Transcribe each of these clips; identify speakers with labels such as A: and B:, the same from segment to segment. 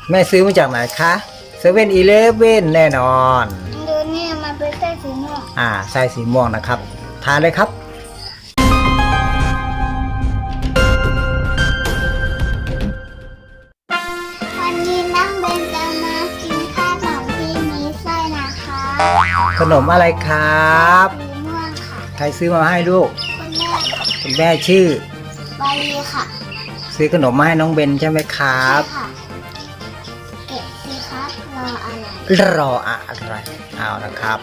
A: แม่ซื้อมาจากไหนคะ7-Eleven แน่นอน
B: ดูนี่มันเป็นไส้สีม่วง
A: ไส้สีม่วงนะครับทานเลยครับ
B: วันนี้น้องเบนจะมากินขนมที่มีไส้นะคะ
A: ขนมอะไรครับ
B: สีม่วงค่ะ
A: ใครซื้อมาให้ลูก
B: คุณแม่
A: คุณแม่ชื่อ
B: ใบค่ะ
A: ซื้อขนมมาให้น้องเบนใช่ไหมครับ
B: ค่ะเก็บสิครับรออะไร
A: เอานะครับ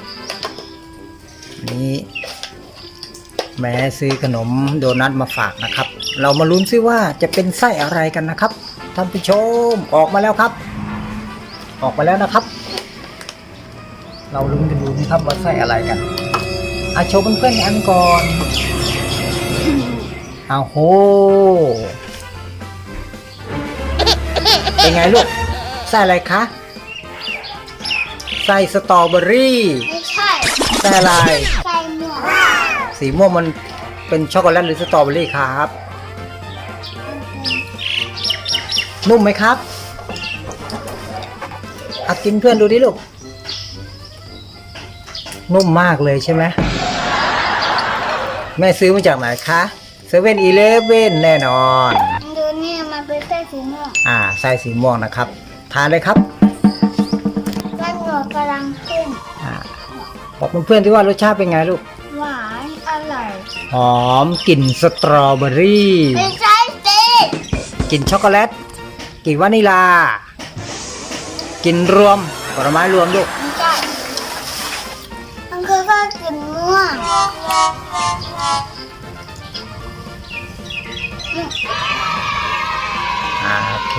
A: นี่แม่ซื้อขนมโดนัทมาฝากนะครับเรามาลุ้นซิว่าจะเป็นไส้อะไรกันนะครับท่านผู้ชมออกมาแล้วครับออกมาแล้วนะครับเราลุ้นกันดูนะครับว่าไส้อะไรกันโชว์เพื่อนๆอันก่อนโหเป็นไงลูกไส้อะไรคะไส้สตรอเบอรี่
B: ไม่ใช่
A: ไส้อะไร
B: ไส้ม่วง
A: สีม่วงมันเป็นช็อกโกแลตหรือสตรอเบอรี่ครับนุ่มไหมครับกินเพื่อนดูดิลูกนุ่มมากเลยใช่ไหมแม่ซื้อมาจากไหนคะ7-Eleven แน่นอน
B: ดูนี่มันเป็นไส้สีม่วง
A: ไส้สีม่วงนะครับทานเลยครับ
B: ไส้หนวดกำลังขึ้น
A: บอกเพื่อนๆที่ว่ารสชาติเป็นไงลูก
B: หวานอร่อย
A: หอมกลิ่นสตรอเบอรี่
B: ไม่ใช่สิ
A: กลิ่นช็อกโกแลตกลิ่นวานิลากลิ่นรวมผลไม้รวมลูก
B: ไม่ใช่มันคือก็กลิ่นม่วง
A: โอเค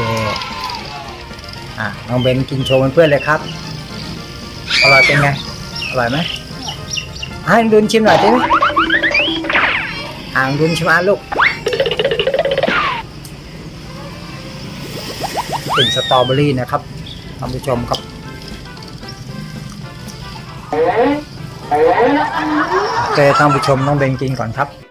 A: น้องเบนกินโชว์เพื่อนๆเลยครับอร่อยเป็นไงอร่อยไหมให้ดุนชิมหน่อยได้ไหมดุนชิมลูกกลิ่นสตรอเบอรี่นะครับท่านผู้ชมครับโอเคท่านผู้ชมน้องเบนกินก่อนครับ